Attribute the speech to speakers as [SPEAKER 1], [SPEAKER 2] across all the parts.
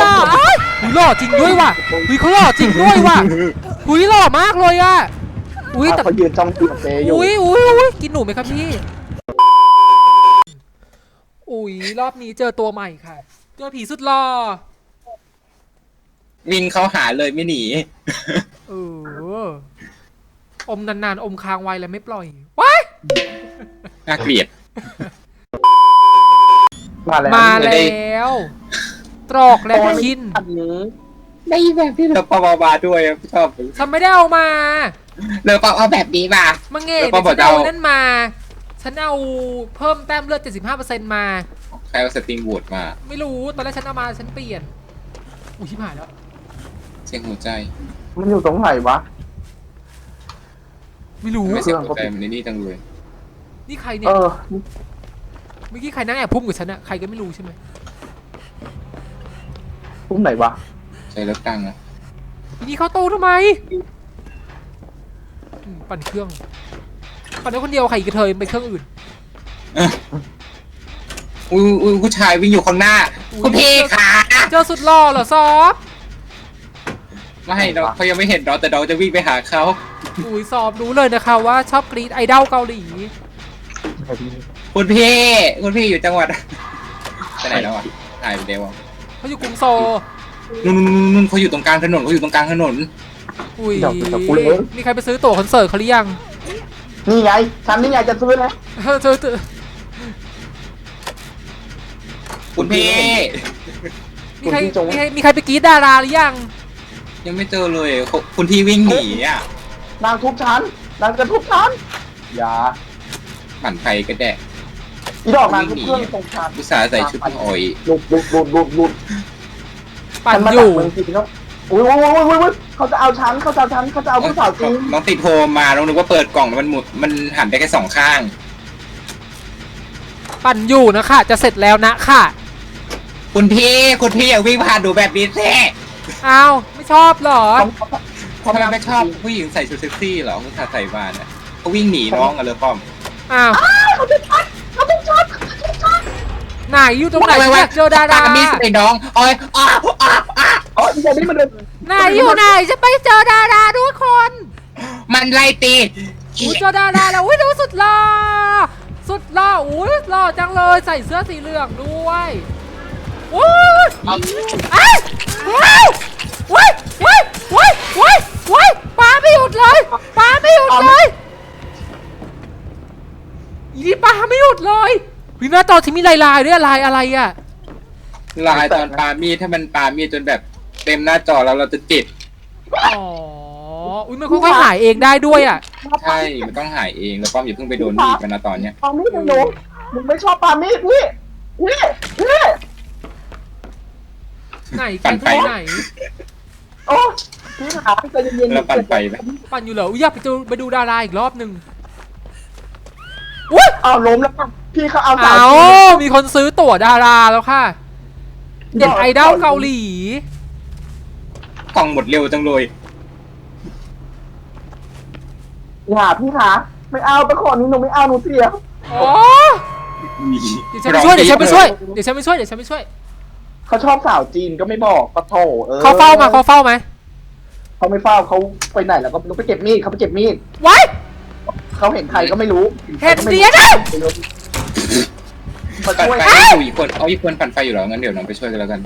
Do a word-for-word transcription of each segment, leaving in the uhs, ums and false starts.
[SPEAKER 1] ล่อเอ้ยหุยหล่อจริงด้วยว่ะหุยเขาหล่อจริงด้วยว่ะหุยหล่อมากเลยอ่ะอุ้ยแต่
[SPEAKER 2] เขายืนจ้องตีเตอยู่
[SPEAKER 1] อุ้ยอุ้ยอุ้ยกินหนูไหมครับพี่อุ้ยรอบนี้เจอตัวใหม่ค่ะเจอผีสุดหล่อ
[SPEAKER 3] วิ่งเข้าหาเลยไม่หนี
[SPEAKER 1] เอออมนานๆอมค้างไว้แล้วไม่ปล่อยว้าย
[SPEAKER 3] น่าเกลียด
[SPEAKER 2] มาแล้ว
[SPEAKER 1] มาแล้วตรอกและคิน
[SPEAKER 2] อันนี้
[SPEAKER 3] ได้แบบที่เราปอบาด้วยชอบ
[SPEAKER 1] ฉันไม่ได้เอามา
[SPEAKER 3] เราปอเอาแบบนี้มา
[SPEAKER 1] มังเง่
[SPEAKER 3] แล้วก็
[SPEAKER 1] ฉัน
[SPEAKER 3] บอกจะ
[SPEAKER 1] เอา
[SPEAKER 3] เอา
[SPEAKER 1] นั่นมา ฉันเอาเพิ่มแต้มเลือด เจ็ดสิบห้าเปอร์เซ็นต์ มา
[SPEAKER 3] ใครเอาสตริงวูดมา
[SPEAKER 1] ไม่รู้ตอนแรกฉันเอามาฉันเปลี่ยนอุ้ยชิบหายแล้ว
[SPEAKER 3] เสียงหัวใจ
[SPEAKER 2] มันอยู่ตรงไหนวะ
[SPEAKER 1] ไม่รู้
[SPEAKER 3] ไม่เสียงหัวใจมันในนี่จังเลย
[SPEAKER 1] นี่ใครเนี่
[SPEAKER 2] เอย อ
[SPEAKER 1] เมื่อกี้ใครนั่งแอบพุ่มกับฉันอะใครก็ไม่รู้ใช่ไหม
[SPEAKER 2] พุ่มไหนวะ
[SPEAKER 3] ใช้แล้วตั้งนะ
[SPEAKER 1] ทีนี้เขาโตทำไมอืมปั่นเครื่องปั่นได้คนเดียวใครอีกกระเทยไปเครื่องอื่น
[SPEAKER 3] อุ้ยอุ้ยผู้ชายวิ่งอยู่ข้างหน้า
[SPEAKER 1] อุ๊ย
[SPEAKER 3] คุณพี่ขา
[SPEAKER 1] เจอสุดหล่อเหรอซอฟ
[SPEAKER 3] ไม่เราเขายังไม่เห็นเราแต่เราจะวิ่งไปหาเขา
[SPEAKER 1] อุ้ยซอฟรู้เลยนะคะว่าชอบกรีดไอดอลเกาหลี
[SPEAKER 3] คุณพี่คุณพี่อยู่จังหวัดไปไหนแล้วอ่ะหายไปเดียว
[SPEAKER 1] เขาอยู่กรุงโซล
[SPEAKER 3] นู่นนู่นนู่นเขาอยู่ตรงกลางถนนเขาอยู่ตรงกลางถนน
[SPEAKER 1] อุ้ยมีใครไปซื้อตั๋วคอนเสิร์ตเขาหรือยัง
[SPEAKER 2] นี่ไง ฉันนี่ไงจะซื้อนะ
[SPEAKER 1] เออเธอเธอ
[SPEAKER 3] คุณพี่
[SPEAKER 1] มีใครมีใครมีใครไปกรีดดาราหรือยัง
[SPEAKER 3] ยังไม่เจอเลยเขาคุณพี่วิ่งหนีอ่ะ
[SPEAKER 2] นางทุบฉันนางจะทุบฉันอย่า
[SPEAKER 3] ปั่นไฟก็แดะ
[SPEAKER 2] อีดอกนางทุบเครื่องตรงฉัน
[SPEAKER 3] อุตส่าห์ใส่ชุดอ่อย
[SPEAKER 2] หลุดหลุดหลุดหลุดหลุด
[SPEAKER 1] ปั่น
[SPEAKER 2] ฉัมา
[SPEAKER 1] อ
[SPEAKER 2] จาก
[SPEAKER 1] ยู่
[SPEAKER 2] เมืองจีนแล้วอุ้ยอุ้ยอุ้ยอุ้ยอุ้ยเขาจะเอาฉันเขาจะเอาฉันเขาจะเอาผู้สาวจีน
[SPEAKER 3] น้องติดโฮมมาน้องนึกว่าเปิดกล่องแล้วมันหมุดมันหันได้แค่สองข้าง
[SPEAKER 1] ปั่นอยู่นะคะจะเสร็จแล้วนะค่ะ
[SPEAKER 3] คุณพี่คุณพี่อย่าวิ่งผ่านดูแบบนี้แท้
[SPEAKER 1] อ้าวไม่ชอบเหรอ
[SPEAKER 3] ทำไมไม่ชอบผู้หญิงใส่ชุดเซ็กซี่เหรอผู้ชายใส่บานอ่ะเขาวิ่งหนีน้องกันเลยป้อม
[SPEAKER 1] อ้าว
[SPEAKER 2] เขาจะช็อตเขาจะช็อตเขาจะช็อต
[SPEAKER 1] ไหนอยู่ตรงไหนอยากเจอดารา
[SPEAKER 3] มีใส่น้องโอ้ยอ้าวอ้าวอ้าว
[SPEAKER 2] อ๋ออีนี่มันเดิน
[SPEAKER 1] ไหนอยู่ไหนจะไปเจอดาราด้วยคน
[SPEAKER 3] มันไล่ตี
[SPEAKER 1] อุ้ยเจอดาราแล้วอุ้ยดูสุดหล่อสุดหล่ออุ้ยหล่อจังเลยใส่เสื้อสีเหลืองด้วยโอ้ยไอ้ว้าวว้ายว้ายว้ายว้ายว้ายปาไม่หยุดเลยปาไม่หยุดเลยอีนี่ปาไม่หยุดเลยวินาตอนที่มีลายลายด้วยลายอะไรอ่ะ
[SPEAKER 3] ลายตอนปามีดถ้ามันปามีดจนแบบเต็มหน้าจอแล้วเราจะติด
[SPEAKER 1] อ๋ออุ้ยมันค่อยๆหายเองได้ด้วยอ่ะ
[SPEAKER 3] ใช่มันต้องหายเองแล้วป้อมอย่าเพิ่งไปโดนมีดมันนะตอนเนี้ย
[SPEAKER 2] ปามีดหนูมึงไม่ชอบปามีดนี่นี่นี่
[SPEAKER 1] ไหนกันที่ไหน
[SPEAKER 2] โอ้พี่ขาใจเย็นๆ
[SPEAKER 3] แล้วปั่นไฟไหม
[SPEAKER 1] ปั่นอยู่เหรออุ๊ยอยากไปดูไปดูดาราอีกรอบหนึ่งอุ้ย
[SPEAKER 2] เอาล้มแล้วค่ะพี่เขาเอาสา
[SPEAKER 1] เอา
[SPEAKER 2] วจีน
[SPEAKER 1] มีคนซื้อตั๋วดาราแล้วค่ะเด็ดไอดอลเกาหลี
[SPEAKER 3] กล่องหมดเร็วจังเลย
[SPEAKER 2] อย่าพี่ขาไม่เอาไปขอนี้หนูไม่เอาหนูเสีย
[SPEAKER 1] อ๋อเดี๋ยวฉันไปช่วยเดี๋ยวฉันไปช่วยเดี๋ยวฉันไปช่วยเดี๋ยวฉันไปช่วย
[SPEAKER 2] เขาชอบสาวจีนก็ไม่บอกปะโถเออ
[SPEAKER 1] เขาเฝ้ามาเขาเฝ้าไหม
[SPEAKER 2] เขาไม่เฝ้าเขาไปไหนแล้วก็ไม่รู้ไปเก็บมีดเขาไปเก็บมีด
[SPEAKER 1] ไว้
[SPEAKER 2] เขาเห็นใครก็ไม่รู้
[SPEAKER 1] เห็นเสียนะ
[SPEAKER 2] มา
[SPEAKER 3] ปั่น
[SPEAKER 2] ช่วย
[SPEAKER 3] ไฟอยู่อีกคนเอาอีกคนปั่นไฟอยู่เหรองั้นเดี๋ยวน้องไปช่วยกันแล้วกัน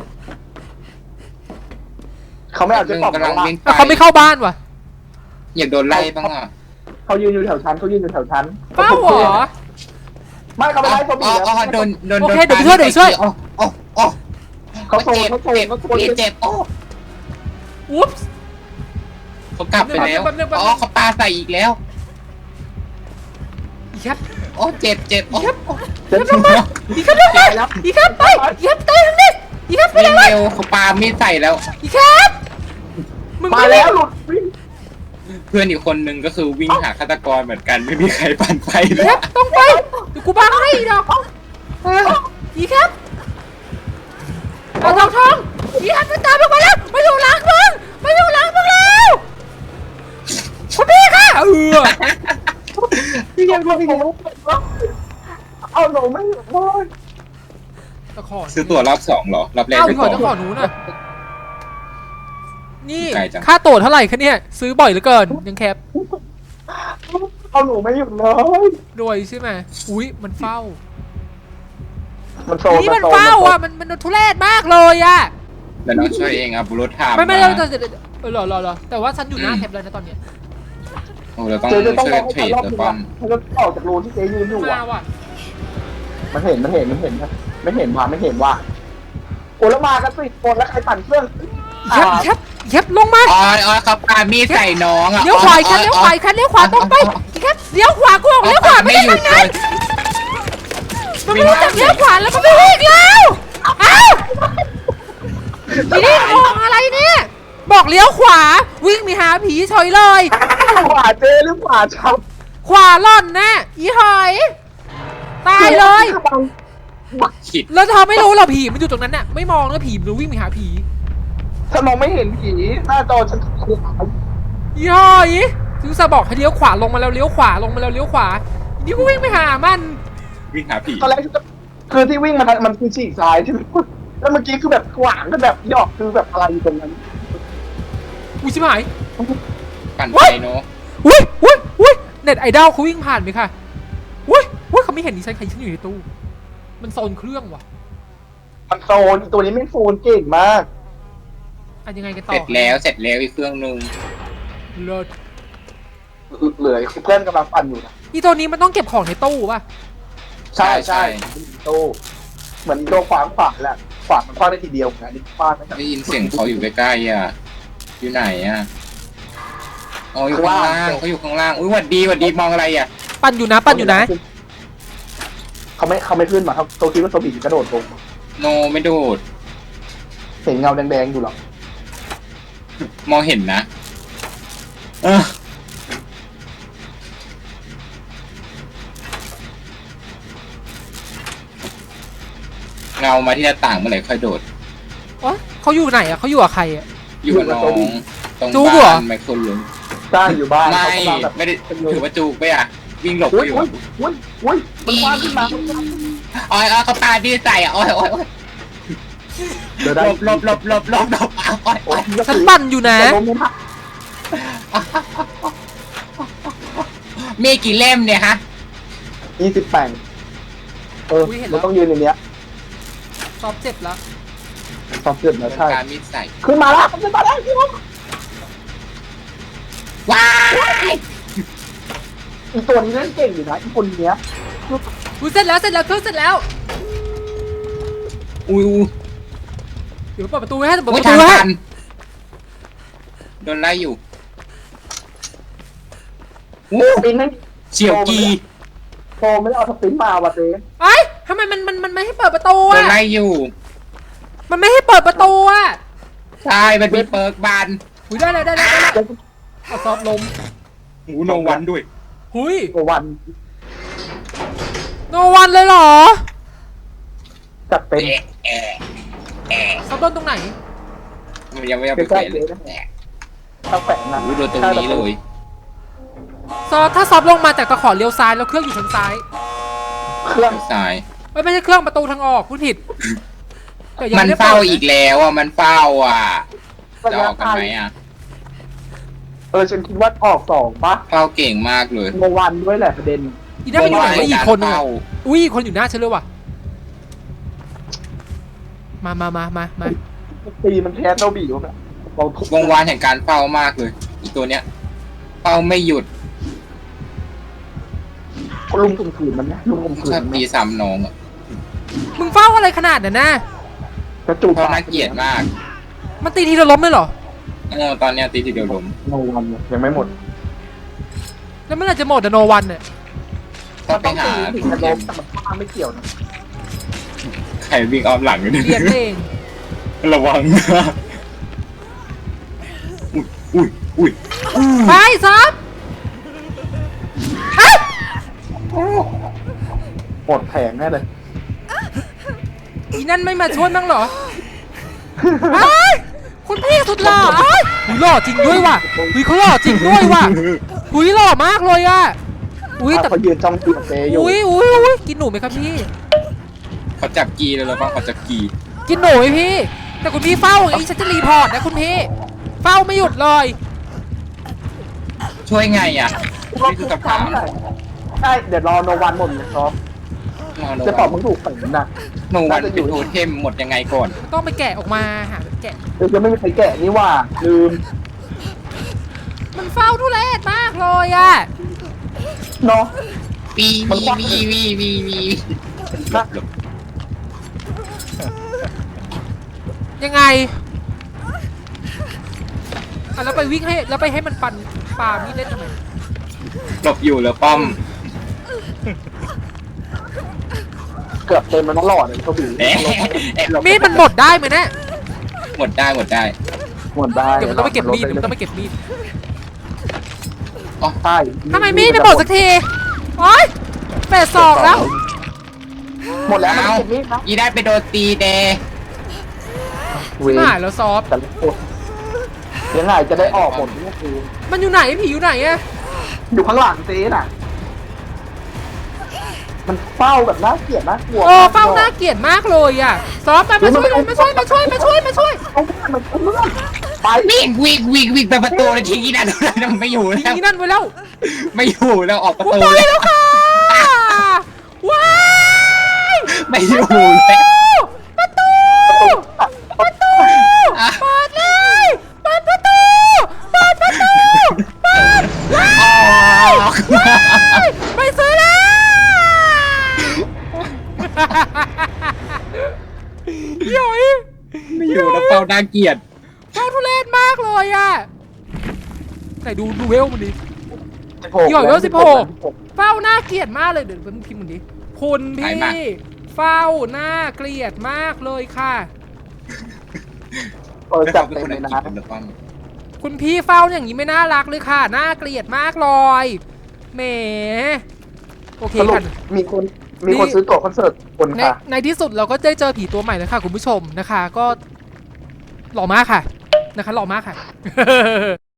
[SPEAKER 2] เขาไม่เอาเจ๊ปอบ
[SPEAKER 3] กำลัง
[SPEAKER 2] เขา
[SPEAKER 3] วิ่งไป
[SPEAKER 1] เขาไม่เข้าบ้านว่ะ
[SPEAKER 3] อยากโดนไล่บ้างอ่ะ
[SPEAKER 2] เขายืนอยู่แถวชั้นเขายืนอยู่แถวชั้น
[SPEAKER 1] เฝ้าเหรอ
[SPEAKER 2] ไม่เขาไม่ไล่เขาบี
[SPEAKER 3] อ๋อบ อ๋อ
[SPEAKER 2] แล้ว
[SPEAKER 3] โดนโดน
[SPEAKER 1] โอเคเดี๋ยวไปช่วยเดี๋ยวไปช่วย
[SPEAKER 3] อ๋ออ๋ออ๋อ
[SPEAKER 2] เขาโซน
[SPEAKER 3] เจ็บ
[SPEAKER 2] เขาโซน
[SPEAKER 3] เจ็บ
[SPEAKER 2] เขาโซน
[SPEAKER 3] เจ็บโอ้
[SPEAKER 1] อุ๊บ
[SPEAKER 3] เขากลับไปแล้ว
[SPEAKER 1] แป๊บนึงแป๊บนึง
[SPEAKER 3] อ๋อเขาปาใส่อีกแล้ว
[SPEAKER 1] อีครับ
[SPEAKER 3] โอ้เจ็บเจ็บโอ้
[SPEAKER 2] เจ็บ
[SPEAKER 1] อีครับลงมาอีครับไปอีครับเตะทางนี้อีครับไป
[SPEAKER 3] วิ่ง
[SPEAKER 1] เลย
[SPEAKER 3] เร็วเขาปามีดใส่แล้ว
[SPEAKER 1] อีครับมึง
[SPEAKER 2] มา
[SPEAKER 1] ไม่
[SPEAKER 2] แล้
[SPEAKER 1] เล่
[SPEAKER 2] วน หลุดวิ่ง
[SPEAKER 3] เพื่อนอีกคนนึงก็คือวิ่งหาฆาตกรเหมือนกันไม่มีใครปั่นไฟเล
[SPEAKER 1] อี
[SPEAKER 3] ย
[SPEAKER 1] ครับต้องไปเดี๋ยวกูบังให้อีดอกอีครับเอาทองทองอีครับมันตามลงมาแล้วมาอยู่หลังมึงมาอยู่หลังมึงแล้วคุณพี่ค่ะเออ
[SPEAKER 2] พี่ยังรู้พี่ยังรู้เอาหนูไม่ได้
[SPEAKER 1] ตะขอ
[SPEAKER 3] ซื้อตั๋วรอบสองเหรอรอบแรก
[SPEAKER 1] เอ้า
[SPEAKER 3] ไป
[SPEAKER 1] พี่ข
[SPEAKER 3] ก่
[SPEAKER 1] อ
[SPEAKER 3] อน
[SPEAKER 1] ตะขอหนูน่ะนี่
[SPEAKER 3] ไกลจัง
[SPEAKER 1] ค่าตั๋วเท่าไหร่คะเนี่ยซื้อบ่อยเหลือเกินยังแคป
[SPEAKER 2] เอาหนูไม่หยุดเลย
[SPEAKER 1] รวยใช่ไหมอุ้ยมันเฝ้า
[SPEAKER 2] มันโซ
[SPEAKER 1] นี่มันเฝ้าอ่ะมันมันทุเรศมากเลยอ่ะ
[SPEAKER 3] แล้วน้องช่วยเองอ่ะบุรุษถาม
[SPEAKER 1] ไม่ไม่
[SPEAKER 3] า
[SPEAKER 1] เราจะเออรอรอรอแต่ว่าฉันอยู่หน้าแคปเลยนะตอนเนี้ย
[SPEAKER 3] โอ้เราต้อง
[SPEAKER 2] เจ๊จะต้อง
[SPEAKER 3] ช่วย
[SPEAKER 2] รอให้
[SPEAKER 3] เทร
[SPEAKER 2] ฉัน
[SPEAKER 3] ด
[SPEAKER 2] รอบ
[SPEAKER 3] แล้ว
[SPEAKER 2] นึง
[SPEAKER 3] ป้อ
[SPEAKER 2] อ่ะ
[SPEAKER 3] ม
[SPEAKER 2] ฉันจะออกจากรูที่เจ๊ยืนอยู่
[SPEAKER 1] มา
[SPEAKER 2] อ่ะ
[SPEAKER 1] ว่ะ
[SPEAKER 2] มันเห็นมันเห็นมันเห็นนะไม่เห็นว่าไม่เห็นว่าโอ้แล้วมากันสิคนแล้วใครปั่นเครื่อง
[SPEAKER 1] แคปแคปแคปลงมา
[SPEAKER 3] อ๋ออ๋อเขาปามีดใส่น้องอ่ะ
[SPEAKER 1] เลี้ยวขวาแคปเลี้ยวขวาแคปเลี้ยวขวาตรงไปแคปเลี้ยวขวากูบอกเลี้ยวขวาไม่
[SPEAKER 3] ไม่
[SPEAKER 1] ได้
[SPEAKER 3] หยุ
[SPEAKER 1] ทา
[SPEAKER 3] ด
[SPEAKER 1] ง
[SPEAKER 3] เล
[SPEAKER 1] นั้น
[SPEAKER 3] ย
[SPEAKER 1] มันไม่รู้จักเลี้ยวขวาแล้วก็ไม่วิ่งแล้วอ้าวทีนี้มองอะไรเนี่ยบอกเลี้ยวขวาวิ่งมีหาผีเฉยเลย
[SPEAKER 2] ขวาเจ๊หรือขวาชับ
[SPEAKER 1] ขวาล่อนนะอีหอยตายเลย
[SPEAKER 3] ขิด
[SPEAKER 1] แล้วเธอไม่รู้เหรอผีมันอยู่ตรงนั้นน่ะไม่มองแล้วผีมันวิ่งไปหาผี
[SPEAKER 2] ฉันมองไม่เห็นผีหน้าจอฉันขวา
[SPEAKER 1] อีหอยถึงจะบอกให้เลี้ยวขวาลงมาแล้วเลี้ยวขวาลงมาแล้วเลี้ยวขวาอีนี่ก็วิ่งไปหามัน
[SPEAKER 3] วิ่งหาผี
[SPEAKER 2] ตอนแรกฉันก็คือที่วิ่งมาทางมันคือฉีกซ้ายใช่ไหมแล้วเมื่อกี้คือแบบขวางกันแบบหยอกคือแบบอะไรอยู่ตรงนั้น
[SPEAKER 1] อุ้ยชิบหาย
[SPEAKER 3] ปั่น
[SPEAKER 1] เว้
[SPEAKER 3] ไป
[SPEAKER 1] ย
[SPEAKER 3] เนาะ
[SPEAKER 1] อุ้ยอุ้ยอุ้ยเน็ตไอดอลเขาวิ่งผ่านไหมค่ะอุ้ยอุ้ยเขาไม่เห็นดิฉันใครฉันอยู่ในตู้มันโซนเครื่องว่ะ
[SPEAKER 2] มันโซนตัวนี้ไม่โซนเก่งมาก
[SPEAKER 1] อันยังไงกัน
[SPEAKER 3] เส
[SPEAKER 1] ต่อ
[SPEAKER 3] ร็จแล้วเสร็จแล้วอีกเครื่องนึง
[SPEAKER 1] เลิศ
[SPEAKER 2] เหลือเพื่อนกำลังปั่นอยู่นะ
[SPEAKER 1] อีตัวนี้มันต้องเก็บของในตู้ป่ะ
[SPEAKER 2] ใช่ใช่ตู้เหมือนตัวขวางขวางแหละขวางมันคว้างได้ทีเดียวนะนี่ฟาดไม่
[SPEAKER 3] ได้ยินเสียงเขาอยู่ใกล้ๆอ่ะอยู่ไหนอ่ะอ๋ออยู่ข้างล่างเขาอยู่ข้างล่างอุ้ยหวัดดีหวัดดีมองอะไรอ่ะ
[SPEAKER 1] ปั่นอยู่นะปั่นอยู่นะ
[SPEAKER 2] เขาไม่เขาไม่ขึ้นมาครับโซคิดว่าโซบีกระโดดลง
[SPEAKER 3] โนไม่โดด
[SPEAKER 2] เห็นเงาแดงๆอยู่หรอ
[SPEAKER 3] มองเห็นนะเออเงามาที่หน้าต่างเมื่อไหร่ค่อยโดด
[SPEAKER 1] โอ๊ยเขาอยู่ไหนอะเขาอยู่กับใครอะ
[SPEAKER 3] อยู่กับน้องตรง
[SPEAKER 1] จู๊กเหรอ
[SPEAKER 3] บ้านไมโครลุง
[SPEAKER 2] สร้างอยู่บ้าน
[SPEAKER 3] ไม่
[SPEAKER 2] เขากำลังแบบ
[SPEAKER 3] ไม่ได้ถือว่าจูกไปอ่ะ วิ่งหลบ
[SPEAKER 2] อุ้
[SPEAKER 3] ไป
[SPEAKER 2] ย
[SPEAKER 3] อยู่
[SPEAKER 2] อุ้ยอุ้ยอุ้ยมันคว้างขึ้นมา
[SPEAKER 3] อ๋อยอ๋อเขาปาดีใส่อ่ะโอ้ยโอ้ยโอ้ย
[SPEAKER 2] เดี๋ยว
[SPEAKER 3] ห
[SPEAKER 2] ได้
[SPEAKER 3] ลบหลบหลบหลบหลบหลบโอ้ย
[SPEAKER 2] โอ้
[SPEAKER 3] โอ้
[SPEAKER 2] ย
[SPEAKER 3] ย
[SPEAKER 1] ฉันปั่นอยู่นะ
[SPEAKER 2] แต่ล้มไม่ทัน
[SPEAKER 3] มีกี่เล่มเนี่ยฮะ
[SPEAKER 2] ยี่สิบแปดเออมันต้องยืนอย่างเนี้ย
[SPEAKER 1] ซอฟเจ็บแล้ว
[SPEAKER 2] สอบเสร็จแล้วใช่
[SPEAKER 3] การมีดใส่
[SPEAKER 2] ขึ้นมาแล้วขึ้นมาแล้วขึ้นมา
[SPEAKER 3] ว้าย
[SPEAKER 2] อีตัวนี้เล่นเก่งอยู่นะอีคนเนี้ย
[SPEAKER 1] อุ้ยเสร็จแล้วเสร็จแล้วเครื่องเสร็จแล้ว
[SPEAKER 3] อุ้ยอุ้ย
[SPEAKER 1] เดี๋ยวเปิดประตูให้เปิดป
[SPEAKER 3] อุ้ย
[SPEAKER 1] ระตู
[SPEAKER 3] ทาง
[SPEAKER 1] ให้
[SPEAKER 3] ตันโดนไล่อยู่
[SPEAKER 2] สปินไม่
[SPEAKER 3] เฉียวกี
[SPEAKER 2] โฟไม่ได้เอาสปินมาว่ะเจ๊
[SPEAKER 1] ไอ้ยทำไมมันมันมันไม่ให้เปิดประตู
[SPEAKER 3] โดน
[SPEAKER 1] อะ
[SPEAKER 3] ไล่อยู่
[SPEAKER 1] มันไม่ให้เปิดประตูอะ
[SPEAKER 3] ใช่มันมีเปิร์กบาน
[SPEAKER 1] อุ้ยได้เลยได้เลยได้เลยเอาซอฟลม
[SPEAKER 3] หูโนวันด้วย
[SPEAKER 1] หุย
[SPEAKER 2] ตัววัน
[SPEAKER 1] โนวันเลยเหรอ
[SPEAKER 2] จัดเต็ม
[SPEAKER 3] เอ๊ะเอ๊ะเอ๊ะ
[SPEAKER 1] ซอฟโดนตรงไหน
[SPEAKER 3] มันยังไม่เอาไปแขวนเลย
[SPEAKER 2] ต้องแฝงนะ
[SPEAKER 3] หูโดนตรงนี้เลย
[SPEAKER 1] ซอฟถ้าซอฟลงมาจากตะขอเลี้ยวซ้ายแล้วเครื่องอยู่ทางซ้าย
[SPEAKER 2] เครื่อง
[SPEAKER 3] สาย
[SPEAKER 1] ไม่ไม่ใช่เครื่องประตูทางออกพูดผิดแต่ยัง
[SPEAKER 3] มัน
[SPEAKER 1] ไได้
[SPEAKER 3] เฝ้า
[SPEAKER 1] ปิดนะ
[SPEAKER 3] อีกแล้วอ่ะ มันเฝ้าอ่ะ จะออกกันไหมอ่ะ
[SPEAKER 2] เออฉันคิดว่าออกสองปะ
[SPEAKER 3] เฝ้าเก่งมากเลย
[SPEAKER 2] โนวันด้วยแหละประเด็น
[SPEAKER 1] อีนั่นมันอยู่ไหนวะอีกคนนึง
[SPEAKER 3] เฝ้า
[SPEAKER 1] อะอุ้ยอีกคนอยู่หน้าฉันเลยว่ะมามามามามา
[SPEAKER 2] ตีมันแพ้เจ้าบีวะเราทุบ
[SPEAKER 3] วงวานแห่งการเฝ้ามากเลย อีตัวเนี้ย เฝ้าไม่หยุด
[SPEAKER 2] ลุมข่มขืนมันนะลุมข่มขืน
[SPEAKER 3] ชอบ
[SPEAKER 2] มัน
[SPEAKER 3] ตีซ้ำน้องอ่ะ
[SPEAKER 1] มึงเฝ้าอะไรขนาดนั้นนะ
[SPEAKER 2] กระจูบ
[SPEAKER 3] เพราะน่าเกลียดมาก
[SPEAKER 1] มันตีทีละล้มเลยเหรอ
[SPEAKER 3] เออตอนเนี้ยตีทีเดียวล้ม
[SPEAKER 2] โนวันเนี่ยยังไม่หมด
[SPEAKER 1] แล้วเมื่อไหร่จะหมดอะโนวันเนี่ย
[SPEAKER 3] ต้องไปหา
[SPEAKER 2] ถึงจะล้มแต่มันข้างไม่เกี่ยวนะ
[SPEAKER 3] ใครวิ่งอ้อมหลังอยู่เนี่ย
[SPEAKER 1] เรียนเอง
[SPEAKER 3] ระวังนะอุ้ยอุ้ยอุ้ย
[SPEAKER 1] ไปซับอ่ะ
[SPEAKER 2] หมดแผงแน่เลย
[SPEAKER 1] อีนั่นไม่มาช่วยบ้างเหรอไอ้ยคุณพี่สุดหล่อไอ้ยหุยหล่อจริงด้วยว่ะหุยเขาหล่อจริงด้วยว่ะหุยหล่อมากเลยอะอุ้ยแต่
[SPEAKER 2] เขายืนจ้องตีกับเจอยู่
[SPEAKER 1] อุ้ยอุ้ยอุ้ยกินหนูไหมครับพี่
[SPEAKER 3] เขาจับกีเลยหรือเปล่าเขาจับกี
[SPEAKER 1] กินหนูไหมพี่ แต่คุณพี่เฝ้าอย่างนี้ฉันจะรีพอร์ตนะคุณพี่เฝ้าไม่หยุดเลย
[SPEAKER 3] ช่วยไงอ่ะนี่คือคำถาม
[SPEAKER 2] ใช่เดี๋ยวรอโนวันหมดเลยเนาะจะตอบมึงถูกฝันนะ
[SPEAKER 3] โนวันเป็นโทเทมหมดยังไงก่อน
[SPEAKER 1] ต้องไปแกะออกมาหาแกะ
[SPEAKER 2] เดี๋ยวจะไม่มีใครแกะนี่ว่าลืม
[SPEAKER 1] มันเฝ้าทุเรศมากเลยอะ
[SPEAKER 2] เนาะ
[SPEAKER 3] วีวีวีวีวีวี
[SPEAKER 2] นะ
[SPEAKER 1] ยังไงอ่ะแล้วไปวิ่งให้แล้วไปให้มันปั่นปามีดเล่นทำไม
[SPEAKER 3] หลบอยู่แล้วป้อม
[SPEAKER 2] เกือบเต็มมันต้องหลอดเลยเขาบี
[SPEAKER 3] เอ๊ะเอ๊ะหลบ
[SPEAKER 1] มีดมันหมดได้ไหมเนี่ย
[SPEAKER 3] หมดได้หมดได้
[SPEAKER 2] หมดได้
[SPEAKER 1] เดี๋ยวมันต้องไปเก็บมีดเดี๋ยวมันต้องไปเก็บมีด
[SPEAKER 3] อ๋อ
[SPEAKER 2] ใช่
[SPEAKER 1] ทำไมมีดไม่หมดสักทีโอ๊ยแปดสองแล้ว
[SPEAKER 2] หมดแล้วมัน
[SPEAKER 3] เอา
[SPEAKER 2] เก็บมีดนะ
[SPEAKER 3] อีได้ไปโดนตีเด
[SPEAKER 2] เว
[SPEAKER 1] หายแล้วซอฟ
[SPEAKER 2] แต่ละคนยังไงจะได้ออกหมดนี่คือ
[SPEAKER 1] มันอยู่ไหนผีอยู่ไหนอะ
[SPEAKER 2] อยู่ข้างหลังเจ๊น่ะ มันเฝ้าแบบน่าเกลียดน่ากลัว
[SPEAKER 1] โอ้เฝ้าน่าเกลียดมากเลยอะซอฟไปมาช่วยเลยมาช่วยมาช่วยมาช่วยมาช่วย
[SPEAKER 2] เอาเพื่อนมันเอาเพื่อนไป
[SPEAKER 3] วิ่งวิ่งวิ่งวิ่งไปประตูเลยทีนี้นะมันไม่อยู่แล้ว
[SPEAKER 1] ทีนั่นไว้แล้ว
[SPEAKER 3] ไม่อยู่แล้วออกประ
[SPEAKER 1] กู
[SPEAKER 3] ตู
[SPEAKER 1] ไป
[SPEAKER 3] แล้ว
[SPEAKER 1] แล้วค่ะว้าย
[SPEAKER 3] ไม่อยู่แล้ว
[SPEAKER 1] ประตูประตู
[SPEAKER 3] อ่ะ
[SPEAKER 1] เปิดเลยเปิดประตูเปิดประตูเปิดว้า
[SPEAKER 3] ออก
[SPEAKER 1] ยไปซื้อแล้วหย่อย
[SPEAKER 3] ไม่อยู่แล้วเฝ้าน่าเกลียด
[SPEAKER 1] เฝ้าทุเรศมากเลยอะไหนดูดูเวลมันดิ หย่อยเวลสิบหก เฝ้าน่าเกลียดมากเลยเดี๋ยวเป็นพิมพ์มันดิคุณพี่เฝ้าน่าเกลียดมากเลยค่ะ
[SPEAKER 2] เออจับเต็มเลยนะ
[SPEAKER 1] คุณพี่เฝ้าอย่างนี้ไม่น่ารักเลยค่ะน่าเกลียดมากเลยแหมโอเค
[SPEAKER 2] สรุป
[SPEAKER 1] ค่ะ
[SPEAKER 2] มีคนมีคนซื้อตั๋วคอนเสิร์ตคน
[SPEAKER 1] ใน
[SPEAKER 2] ค่ะ
[SPEAKER 1] ในที่สุดเราก็ได้เจอผีตัวใหม่แล้วค่ะคุณผู้ชมนะคะ ก็หล่อมากค่ะนะคะหล่อมากค่ะ